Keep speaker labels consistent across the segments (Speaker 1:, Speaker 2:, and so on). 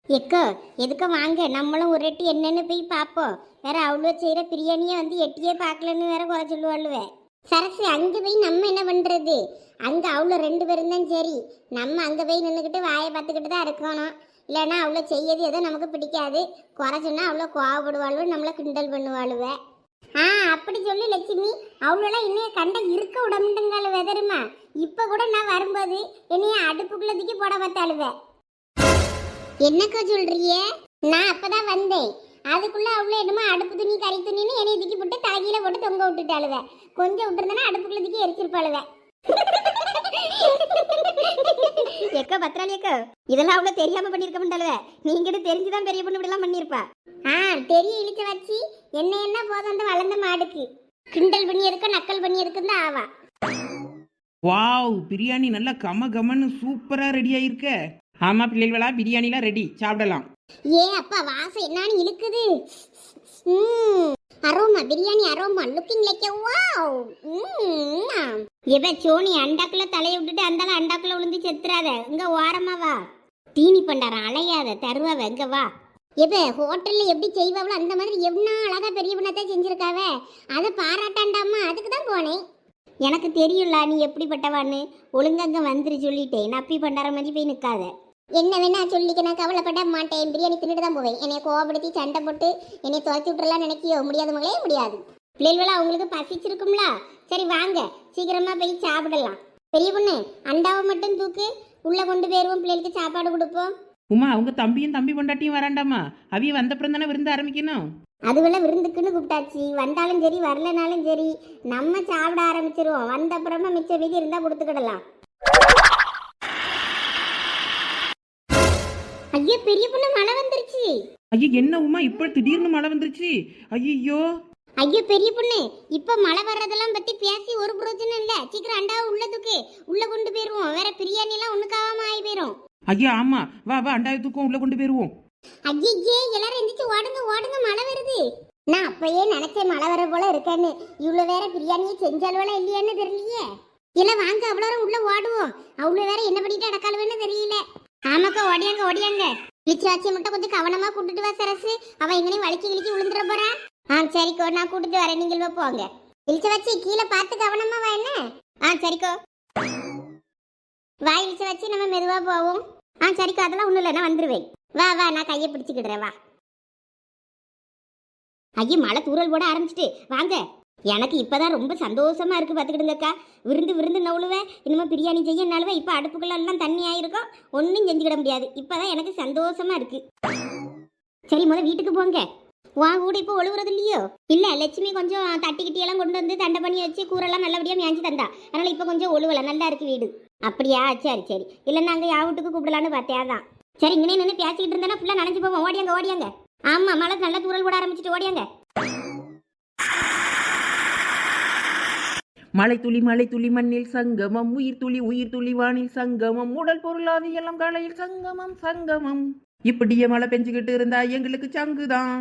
Speaker 1: Echo எதுக்க வாங்க நம்மளும் ஒரு எட்டி என்னன்னு போய் பார்ப்போம். வேற அவ்வளோ செய்கிற பிரியாணியை வந்து எட்டியே பார்க்கலன்னு வேற குறை சொல்லுவாளுவே. சரசு அங்கே போய் நம்ம என்ன பண்ணுறது? அங்கே அவ்வளோ 2 பேரும் தான் சரி. நம்ம அங்கே போய் நின்றுக்கிட்டு வாயை பார்த்துக்கிட்டு தான் இருக்கணும். இல்லைன்னா அவ்வளோ செய்யது ஏதோ நமக்கு பிடிக்காது. குறை சொன்னால் அவ்வளோ கோவப்படுவாளுவ, நம்மளை கிண்டல் பண்ணுவாளுவ. அப்படி சொல்லு லட்சுமி. அவ்வளோலாம் என்னைய கண்ட இருக்க விடமுண்டுங்கால வெதருமா. இப்போ கூட நான் வரும்போது என்னைய அடுப்புக்குள்ள தூக்கி போட பார்த்தாளுவ. என்னக்கா சொல்றிய? நான் அப்பதான் வந்தேன். அதுக்குள்ள அவ்வளோ என்னமோ அடுப்பு துணி கறி துணின்னு என்னைய தூக்கி போட்டு தலைகீழ போட்டு தொங்க விட்டுட்டாளுவ. கொஞ்சம் விட்டுருந்தேன்னா அடுப்புக்குள்ள தூக்கி எரிச்சிருப்பாளுவ. எக்கா பத்திராளி அக்கா, இதெல்லாம் அவ்வளோ தெரியாம பண்ணிருக்க மாட்டாளுவ. நீங்க தெரிஞ்சுதான் பெரிய பொண்ணு இப்படிலாம் பண்ணிருப்பா. தெரிய இழுச்ச வச்சு என்ன போதும் அந்த வளர்ந்த மாடுக்கு. கிண்டல் பண்ணி எதுக்க நக்கல் பண்ணி எதுக்குன்னு தான் ஆவா.
Speaker 2: வாவ், பிரியாணி நல்லா கம கமன்னு சூப்பரா ரெடி ஆயிருக்க. ஆமா பிள்ளைகளா, பிரியாணிலாம் ரெடி, சாப்பிடலாம்.
Speaker 1: அப்பா வாசம் என்னன்னு இழுக்குது. Aroma biryani aroma looking like wow. எவ சோனி அண்டாக்குள்ள தலையை விட்டுட்டு அந்தால அண்டாக்குள்ள விழுந்து செத்துறாத. இங்க ஓரமா வா. தீனி பண்டாரம் அலையாத தருவாவ. இங்க வா. எவ ஹோட்டல்ல எப்படி செய்வாங்களோ அந்த மாதிரி எவ்வளோ அழகா பெரிய பண்ணத்தான் செஞ்சிருக்காவ. அதை பாராட்டாண்டாமா, அதுக்கு தான் போனேன். எனக்கு தெரியும்ல நீ எப்படிப்பட்டவான்னு. ஒழுங்கங்க வந்துரு சொல்லிட்டேன். நப்பி பண்டார மாதிரி போய் நிற்காத. என்ன வேணா சொல்லிக்க, நான் கவலைப்பட மாட்டேன். பிரியாணி தின்னுட்டு தான் போவேன். என்னை கோவப்படுத்தி சண்டை போட்டு என்னை துரத்தி விட்டுறலாம் நினைக்கியோ? முடியாதவங்களே முடியாது. பிள்ளைகளா அவங்களுக்கு பசிச்சிருக்கும்ல. சரி வாங்க சீக்கிரமா போய் சாப்பிடலாம். பெரிய பொண்ணு அண்டாவை மட்டும் தூக்கு, உள்ள கொண்டு போயிருவோம். பிள்ளைகளுக்கு சாப்பாடு கொடுப்போம்.
Speaker 2: உமா, அவங்க தம்பியும் தம்பி பொண்டாட்டியும் வராண்டாமா? அவிய வந்தப்புறம் தானே விருந்து ஆரம்பிக்கணும்.
Speaker 1: அதுவெல்லாம் விருந்துக்குன்னு கூப்பிட்டாச்சு. வந்தாலும் சரி வரலனாலும் சரி நம்ம சாப்பிட ஆரம்பிச்சிருவோம். வந்த அப்புறமா மிச்ச மீதி இருந்தா கொடுத்துக்கிடலாம். ஐயோ பெரிய பொண்ணு மழை வந்துருச்சு.
Speaker 2: ஐயோ என்ன உமா இப்ப திடீர்னு மழை வந்துருச்சு? ஐயோ
Speaker 1: ஐயோ பெரிய பொண்ணு, இப்ப மழை வர்றதெல்லாம் பத்தி பேசி ஒரு பிரயோஜனம் இல்ல. சீக்கிரம் அண்டாவை உள்ளதுக்கு உள்ள கொண்டு போயிருவோம். வேற பிரியாணி எல்லாம் ஒண்ணுக்காவாம ஆகி போயிரும்.
Speaker 2: ஐயா ஆமா, வா வா அண்டாவை தூக்கம் உள்ள கொண்டு போயிருவோம்.
Speaker 1: ஐயே எல்லாரும் எந்திரிச்சு ஓடுங்க ஓடுங்க, மழை வருது. நான் அப்பயே நினைச்சேன் மழை வர போல இருக்கேன்னு. இவ்வளவு வேற பிரியாணியை செஞ்சாலும் இல்லையான்னு தெரியலையே. இல்ல வாங்க அவ்வளோ உள்ள ஓடுவோம். அவ்வளவு வேற என்ன பண்ணிட்டு அடக்காளுவேன்னு தெரியல. ஆமாக்கா ஓடியாங்க ஓடியாங்க. இளிச்சாச்சியை மட்டும் கொஞ்சம் கவனமா கூட்டிட்டு வா சரசு. அவன் எங்கனையும் வலிக்கி கிழிக்கி விழுந்துட போறா. சரிக்கோ நான் கூட்டிட்டு வரேன், நீங்கள் போங்க. இளிச்ச வச்சு கீழே பார்த்து கவனமா வா. என்ன? சரிக்கோ வா. இளிச்ச வச்சு நம்ம மெதுவா போவோம். சரிக்கோ அதெல்லாம் ஒண்ணும் இல்லை, நான் வந்துருவேன். வா வா நான் கையை பிடிச்சிக்கிடுறேன் வா. ஐயே மழை தூரல் போட ஆரம்பிச்சிட்டு வாங்க. எனக்கு இப்பதான் ரொம்ப சந்தோஷமா இருக்கு. பார்த்துக்கிடுங்கக்கா. விருந்து நவுளுவேன். இனிமே பிரியாணி செய்ய நாளுவேன். இப்போ அடுப்புக்குள்ளெல்லாம் தண்ணி ஆயிருக்கும். ஒன்றும் செஞ்சுக்கிட முடியாது. இப்பதான் எனக்கு சந்தோஷமா இருக்கு. சரி முதல் வீட்டுக்கு போங்க. வா கூட இப்போ ஒழுகுறது இல்லையோ? இல்ல லட்சுமி கொஞ்சம் தட்டிக்கிட்டியெல்லாம் கொண்டு வந்து தண்டை பண்ணி வச்சு கூரெல்லாம் நல்லபடியா மேய்ச்சி தந்தா. அதனால இப்போ கொஞ்சம் ஒழுவல நல்லா இருக்கு வீடு. அப்படியா? சரி சரி. இல்லைன்னா அங்கே யா வீட்டுக்கு கூப்பிடலான்னு பார்த்தேதான். சரி இங்கே நின்று பேசிக்கிட்டு இருந்தேன்னா ஃபுல்லாக நனைஞ்சு போவோம். ஓடியாங்க ஓடியாங்க. ஆமாம் மழை நல்லா தூரல் போட ஆரம்பிச்சுட்டு ஓடியாங்க.
Speaker 2: மழை துளி மண்ணில் சங்கமம், உயிர் துளி வானில் சங்கமம், உடல் பொருளாதி எல்லாம் காலையில் சங்கமம் சங்கமம். இப்படியே மழை பெஞ்சுக்கிட்டு இருந்தா எங்களுக்கு சங்குதான்.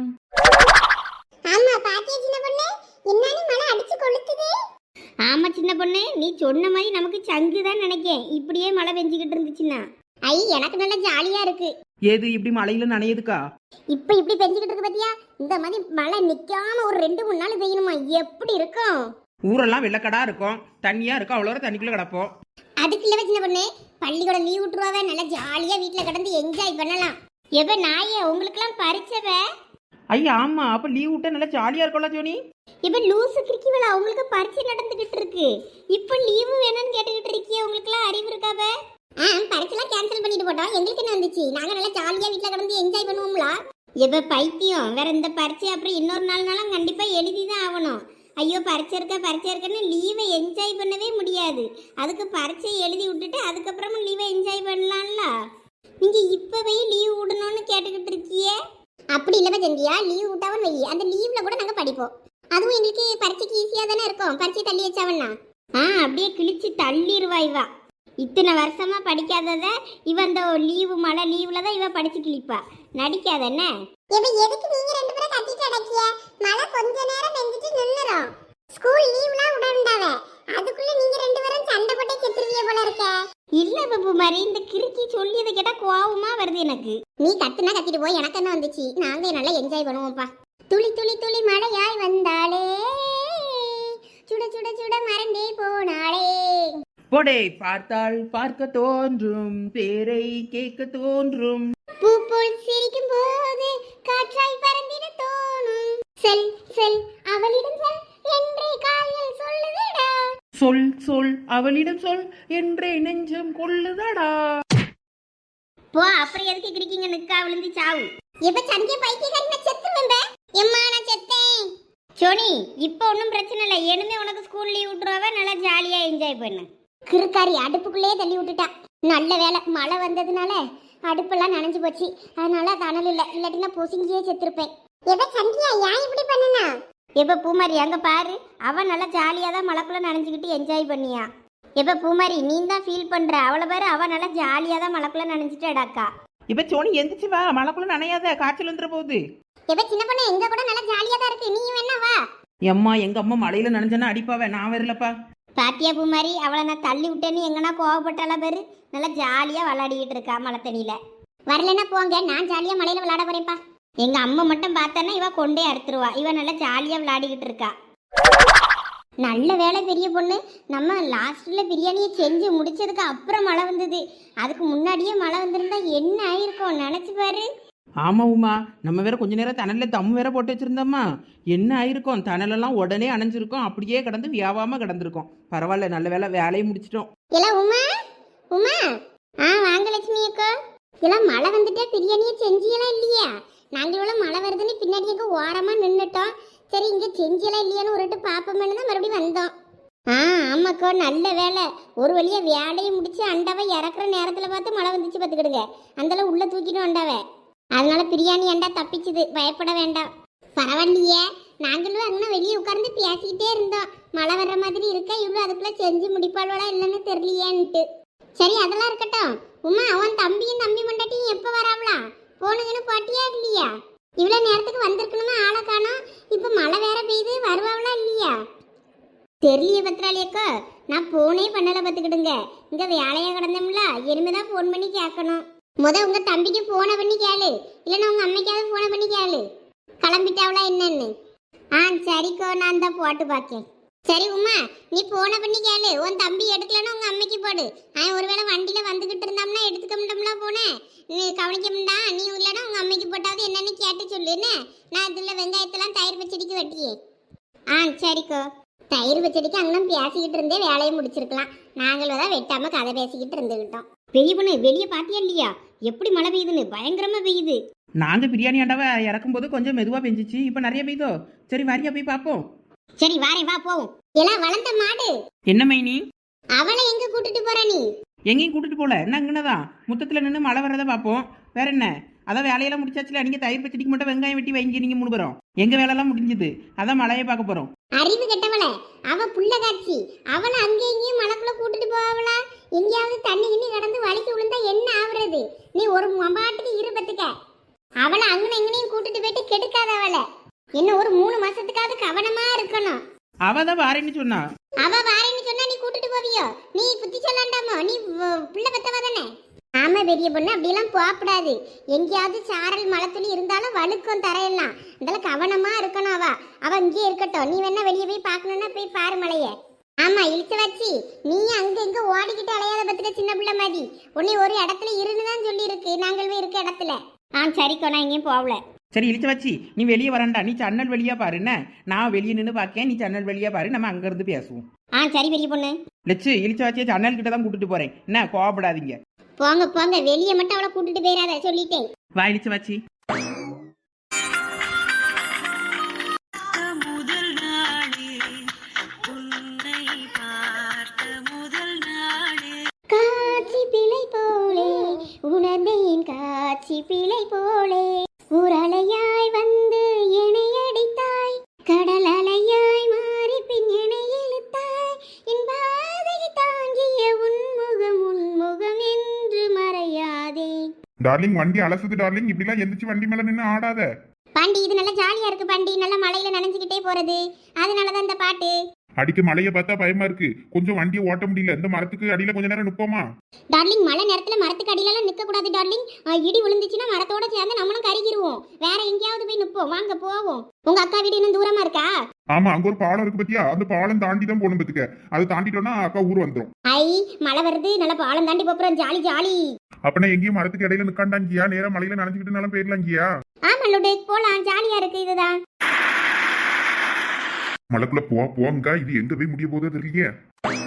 Speaker 1: ஆமா சின்ன பொண்ணு, நீ சொன்ன மாதிரி நமக்கு சங்குதான் நினைக்கேன். இப்படியே மழை பெஞ்சுக்கிட்டு இருந்துச்சுன்னா எனக்கு நல்லா ஜாலியா இருக்கு.
Speaker 2: ஏது இப்படி மழையில நனையுதுக்கா?
Speaker 1: இப்ப இப்படி பெஞ்சுக்கிட்டு இருக்கு பாத்தியா? இந்த மாதிரி மழை நிக்காம ஒரு 2-3 நாள் பெய்யணுமா? எப்படி இருக்கும்?
Speaker 2: ஊரெல்லாம் வெள்ளக்கடா இருக்கும், தண்ணியா இருக்கும். அவ்வளோ தண்ணிக்குள்ள கிடப்போம்.
Speaker 1: அதுக்கு இல்ல சின்ன பொண்ணு, பள்ளிக்கூடம் லீவ் விட்டுருவாவே. நல்லா ஜாலியா வீட்டுல கிடந்து என்ஜாய் பண்ணலாம். எப்ப நாயே உங்களுக்கு எல்லாம் பறிச்சவ?
Speaker 2: ஐயா ஆமா, அப்ப லீவ் விட்டா நல்லா ஜாலியா இருக்கும்ல ஜோனி.
Speaker 1: இப்ப லூசு கிரிக்கிவளா உங்களுக்கு பரிச்சை நடந்துகிட்டு இருக்கு. இப்ப லீவு வேணும்னு கேட்டுக்கிட்டு இருக்கியே. உங்களுக்கு எல்லாம் அறிவு இருக்காவ? பரிச்செல்லாம் கேன்சல் பண்ணிட்டு போட்டோம். எங்களுக்கு என்ன வந்துச்சு? நாங்க நல்லா ஜாலியா வீட்டுல கிடந்து என்ஜாய் பண்ணுவோம்ல. எப்ப பைத்தியம் வேற. இந்த பரிச்சை அப்புறம் இன்னொரு நாள்னாலும் கண்டிப்பா எழுதிதான் ஆகணும். ஐயோ பரிச்சை இருக்குன்னு லீவை என்ஜாய் பண்ணவே முடியாது. அதுக்கு பரிச்சை எழுதி விட்டுட்டு அதுக்கப்புறமும் லீவை என்ஜாய் பண்ணலாம்ல. நீங்க இப்பவே லீவ் விடணும்னு கேட்டுக்கிட்டு இருக்கியே. அப்படி இல்லவா செஞ்சியா? லீவ் விட்டாவும் வை, அந்த லீவ்ல கூட நாங்க படிப்போம். அதுவும் எங்களுக்கு பரீட்சைக்கு ஈஸியா தானே இருக்கும். பரீட்சை தள்ளி வச்சாவன்னா அப்படியே கிழிச்சு தள்ளிடுவா இவ. இத்தனை வருஷமா படிக்காதத இவ இந்த லீவு மழை லீவ்ல தான் இவ படிச்சு கிழிப்பா. நடிக்காத என்ன? எதுக்கு நீங்க 2 பேரும் கட்டிட்டு அடக்கிய? மழை கொஞ்ச நேரம் பெஞ்சிட்டு நின்னுரும். ஸ்கூல் லீவ்லாம் விடண்டாவே அதுக்குள்ள நீங்க ரெண்டு பேரும் சண்டை போட்டே செத்துருவிய போல இருக்க. இல்ல பப்பு மாதிரி இந்த கிறுக்கி சொல்லியதை கேட்டா கோவமா வருது எனக்கு. நீ கத்துனா கத்திட்டு போய் எனக்கு என்ன வந்துச்சு, நாங்க நல்லா என்ஜாய் பண்ணுவோம்ப்பா. துளி துளி துளி மழையாய் வந்தாளே சுட சுட சுட மறந்தே போனாளே.
Speaker 2: போடே பார்த்தால் பார்க்க தோன்றும், பேரை கேட்க தோன்றும்,
Speaker 1: பூ போல் சிரிக்கும் போது காற்றாய் பறந்திட தோணும். செல் செல் அவளிடம் செல் என்றே கால்கள் சொல்லுதடா.
Speaker 2: சொல் சொல் அவளிடம் சொல் என்றே நெஞ்சம் கொள்ளுதடா.
Speaker 1: போ அப்புறம் எதுக்கு கிரிக்கிங்க நிக்கா விழுந்து சாவு. எப்ப சந்திய பைத்தியக்காரி நான் செத்துருவேன். எம்மா நான் செத்தேன். சோனி இப்போ ஒன்றும் பிரச்சனை இல்லை, இனிமே உனக்கு ஸ்கூல் லீவ் விட்டுருவாவ, நல்லா ஜாலியா என்ஜாய் பண்ணு. கிறுக்காரி அடுப்புக்குள்ளேயே தள்ளி விட்டுட்டா. நல்ல வேலை மழை வந்ததுனால அடுப்பெல்லாம் நனைஞ்சு போச்சு, அதனால தணல் இல்லை, இல்லாட்டினா பொசுங்கியே செத்துருப்பேன். எப்ப சந்தியா ஏன் இப்படி பண்ணுனா? எப்ப பூமாரி அங்க பாரு, அவன் நல்லா ஜாலியா தான் மழைக்குள்ள நனைஞ்சுக்கிட்டு என்ஜாய் பண்ணியா. எப்ப பூமாரி நீ தான் ஃபீல் பண்ற, அவளை பாரு அவன் நல்லா ஜாலியா தான் மழைக்குள்ள நனைஞ்சிட்டு அடாக்கா.
Speaker 2: இப்ப சோனி எந்திரிச்சு வா, மழைக்குள்ள நனையாத, காய்ச்சல் வந்துட போகுது.
Speaker 1: எப்ப சின்ன பொண்ணு எங்க கூட நல்லா ஜாலியா தான் இருக்கு, நீ என்ன வா.
Speaker 2: எம்மா எங்க அம்மா மழையில நனைஞ்சனா அடிப்பாவே, நான் வரலப்பா.
Speaker 1: பாத்தியா பூமாரி அவளை நான் தள்ளி விட்டேன்னு எங்கன்னா கோவப்பட்டால பேரு நல்லா ஜாலியா விளையாடிக்கிட்டு இருக்கா மழை தண்ணியில. வரலன்னா போங்க, நான் ஜாலியா மழையில விளையாட போறேன்ப்பா. எங்க அம்மா மட்டும் பார்த்தானா இவ கொண்டே அறுத்துருவா, இவ நல்லா ஜாலியா விளையாடிக்கிட்டு இருக்கா. நல்ல வேலை பெரிய பொண்ணு, நம்ம லாஸ்ட்ல பிரியாணியை செஞ்சு முடிச்சதுக்கு அப்புறம் மழை வந்தது. அதுக்கு முன்னாடியே மழை வந்திருந்தா என்ன ஆயிருக்கும் நினைச்சு பாரு.
Speaker 2: ஆமா உமா, நம்ம வேற கொஞ்ச நேரம் தணல்ல தம் வேற போட்டு வச்சிருந்தோமா, என்ன ஆயிருக்கும், தணலெல்லாம் உடனே அணைஞ்சிருக்கும், அப்படியே கிடந்து வியாபாரமா கிடந்திருக்கும். பரவாயில்ல, நல்ல வேலை வேலையை முடிச்சிட்டோம்.
Speaker 1: எல்லாம் உமா உமா வாங்க லட்சுமி அக்கா. எல்லாம் மழை வந்துட்டே பிரியாணியை செஞ்சியெல்லாம் இல்லையா? நாங்களும் மழை வருதுன்னு பின்னாடி எங்க ஓரமா நின்றுட்டோம். சரி இங்க செஞ்சியெல்லாம் இல்லையான்னு ஒருட்டு பாப்போம்னு தான் மறுபடியும் வந்தோம். ஆமாக்கா நல்ல வேலை, ஒரு வழியா வேலையை முடிச்சு அண்டாவை இறக்குற நேரத்துல பார்த்து மழை வந்துச்சு பார்த்துக்கிடுங்க. அந்தளவு உள்ள தூக்கிடும் அண்டாவை, அதனால பிரியாணி அண்டா தப்பிச்சுது, பயப்பட வேண்டாம். பரவாயில்லையே, நாங்களும் அங்கே வெளியே உட்கார்ந்து பேசிக்கிட்டே இருந்தோம், மழை வர்ற மாதிரி இருக்கா, இவ்வளோ அதுக்குள்ள செஞ்சு முடிப்பாளோட இல்லைன்னு தெரியலையேன்ட்டு. சரி அதெல்லாம் இருக்கட்டும். உமா அவன் தம்பியும் தம்பி மண்டாட்டியும் எப்போ வராவளா? போனுங்கன்னு பாட்டியா இல்லையா? இவ்வளோ நேரத்துக்கு வந்திருக்கணுமா, ஆளை காணோம். இப்போ மழை வேற பெய்யுது, வருவாவளா இல்லையா? தெரியலையே பத்திராளியக்கா, நான் போனே பண்ணலை பார்த்துக்கிடுங்க. இங்கே வேலையாக கிடந்தோம்ல, இனிமேதான் ஃபோன் பண்ணி கேட்கணும். உங்க தம்பிக்கு போன பண்ணி கேளு, இல்லைன்னா உங்க அம்மைக்காவது போன பண்ணி கேளு கிளம்பிட்டாவளா என்னன்னு. சரிக்கோ, நான் தான் போட்டு பார்க்கேன். சரி உமா நீ போன பண்ணி கேளு, உன் தம்பி எடுக்கலன்னா உங்க அம்மைக்கு போடு. ஒருவேளை வண்டியில வந்துகிட்டு இருந்தோம்னா எடுத்துக்க முடியும்ல, போனேன் நீ கவனிக்க முடியா, நீ இல்லைன்னா உங்க அம்மைக்கு போட்டாவது என்னன்னு கேட்டு சொல்லுன்னு. நான் இதுல வெங்காயத்தெல்லாம் தயிர் பச்சடிக்கு வெட்டியே. சரிக்கோ, தயிர் பச்சடிக்கு அங்கெல்லாம் பேசிக்கிட்டு இருந்தே வேலையை முடிச்சிருக்கலாம், நாங்களும் தான் வெட்டாம கதை பேசிக்கிட்டு இருந்துகிட்டோம். பெரிய பொண்ணு வெளியே பாத்தியா இல்லையா எப்படி மழை பெய்யுதுன்னு? பயங்கரமா பெய்யுது.
Speaker 2: நாங்க பிரியாணி அண்டாவை இறக்கும் போது கொஞ்சம் மெதுவா பெஞ்சிச்சு, இப்ப நிறைய பெய்தோ. சரி வாரியா போய் பாப்போம்.
Speaker 1: சரி வாரேன், வா போவோம். எல்லாம் வளர்ந்த மாடு
Speaker 2: என்ன மைனி,
Speaker 1: அவளை எங்க கூட்டிட்டு போற நீ?
Speaker 2: எங்கேயும் கூட்டிட்டு போல, என்ன இங்கனதான் முத்தத்துல நின்று மழை வரதை பார்ப்போம், வேற என்ன. அதான் வேலையெல்லாம் முடிச்சாச்சுல, நீங்க தயிர் பச்சடிக்கு மட்டும் வெங்காயம் வெட்டி வைங்க, நீங்க 3 பேரும். எங்க வேலையெல்லாம் முடிஞ்சது, அதான் மழையை பார்க்க போறோம்.
Speaker 1: அறிவு கெட்டவள, அவ புள்ள காட்சி, அவளை அங்கே இங்கேயும் மழைக்குள்ள கூட்டிட்டு போவளா? எங்கேயாவது தண்ணி கிண்ணி கடந்து வலிக்கு விழுந்தா என்ன ஆகுறது? நீ ஒரு மம்பாட்டுக்கு இருபத்துக்க அவளை அங்கன எங்கனையும் கூட்டிட்டு போயிட்டு கெடுக்காத. அவளை இன்னும் ஒரு 3 மாசத்துக்காவது கவனமா இருக்கணும்.
Speaker 2: அவதான் வாரேன்னு சொன்னா.
Speaker 1: அவ வாரேன்னு சொன்னா நீ கூட்டிட்டு போவியோ? நீ புத்தி சொல்லாண்டாமோ? நீ புள்ள பெத்தவ தானே? ஆமா பெரிய பொண்ணு, அப்படியெல்லாம் போகக்கூடாது. எங்கேயாவது சாரல் மழை துளி இருந்தாலும் வழுக்கும் தரையெல்லாம், அதெல்லாம் கவனமா இருக்கணும். அவ இங்கே இருக்கட்டும், நீ வேணா வெளியே போய் பார்க்கணும்னா போய் பாரு மழைய. ஆமா இழுத்து வச்சு நீ அங்க இங்க ஓடிக்கிட்டு அலையாத பத்துக்க சின்ன பிள்ளை மாதிரி. உன்னை ஒரு இடத்துல இருந்துதான் சொல்லி இருக்கு, நாங்கள் போய் இருக்க இடத்துல. சரிக்கோ, நான் எங்கேயும் போகல.
Speaker 2: சரி இழுத்து வச்சு நீ வெளியே வரண்டா, நீ சன்னல் வெளியா பாரு, என்ன நான் வெளியே நின்று பார்க்கேன், நீ சன்னல் வெளியா பாரு, நம்ம அங்க இருந்து பேசுவோம்.
Speaker 1: சரி பெரிய பொண்ணு.
Speaker 2: லட்சு இழுத்து வச்சு சன்னல் கிட்ட தான் கூட்டிட்டு போறேன், என்ன கோவப்படாதீங்க.
Speaker 1: போங்க போங்க, வெளியே மட்டும் அவளை கூட்டிட்டு போயிடாத சொல்லிட்டேன்.
Speaker 2: வா இழுத்து வச்சு.
Speaker 1: காட்சி பிழை போலே உணர்ந்தேன், காட்சி பிழை போலே உரலையாய் வந்து என்னை அடித்தாய், கடல் அலையாய் மாறி பின் என்னை இழுத்தாய், என் பாதை தாங்கிய உன்முகம் என்று மறையாதே.
Speaker 3: டார்லிங் வண்டி அலசுது டார்லிங், இப்படிலாம் எந்திரிச்சு வண்டி மேல நின்று ஆடாத.
Speaker 1: பாண்டி இது நல்லா ஜாலியா இருக்கு பாண்டி, நல்லா மலையில நனைஞ்சுக்கிட்டே போறது, அதனாலதான் இந்த பாட்டு.
Speaker 3: அடிக்க மழைய பார்த்தா பயமா இருக்கு. கொஞ்சம் வண்டியை ஓட்ட முடியல. இந்த மரத்துக்கு அடியில கொஞ்ச நேரம் நிப்போமா?
Speaker 1: டார்லிங், மழை நேரத்துல மரத்துக்கு அடியிலலாம் நிக்க கூடாது டார்லிங். இடி விழுந்துச்சுன்னா மரத்தோட சேர்ந்து நம்மளும் கருகிருவோம். வேற எங்கேயாவது போய் நிப்போம், வாங்க போவோம். உங்க அக்கா வீடு இன்னும் தூரமா இருக்கா?
Speaker 3: ஆமா, அங்க ஒரு பாலம் இருக்கு பத்தியா? அந்த பாலம் தாண்டி தான் போகணும் பத்துக்க. அதை தாண்டிட்டோம்னா அக்கா ஊர் வந்துடும்.
Speaker 1: ஐ, மழை வருது, நல்லா பாலம் தாண்டி போறோம், ஜாலி ஜாலி.
Speaker 3: அப்பனா எங்கேயும் மரத்துக்கு இடையில நிக்காண்டாங்கியா? நேரா மலையில நனைஞ்சுக்கிட்டு போயிடலாங்கியா?
Speaker 1: ஆமா லோடு, போலாம், ஜாலியா இருக்கு இதுதான்.
Speaker 3: மலைக்குள்ள போங்க. இது எங்க போய் முடிய போதோ தெரியலையே.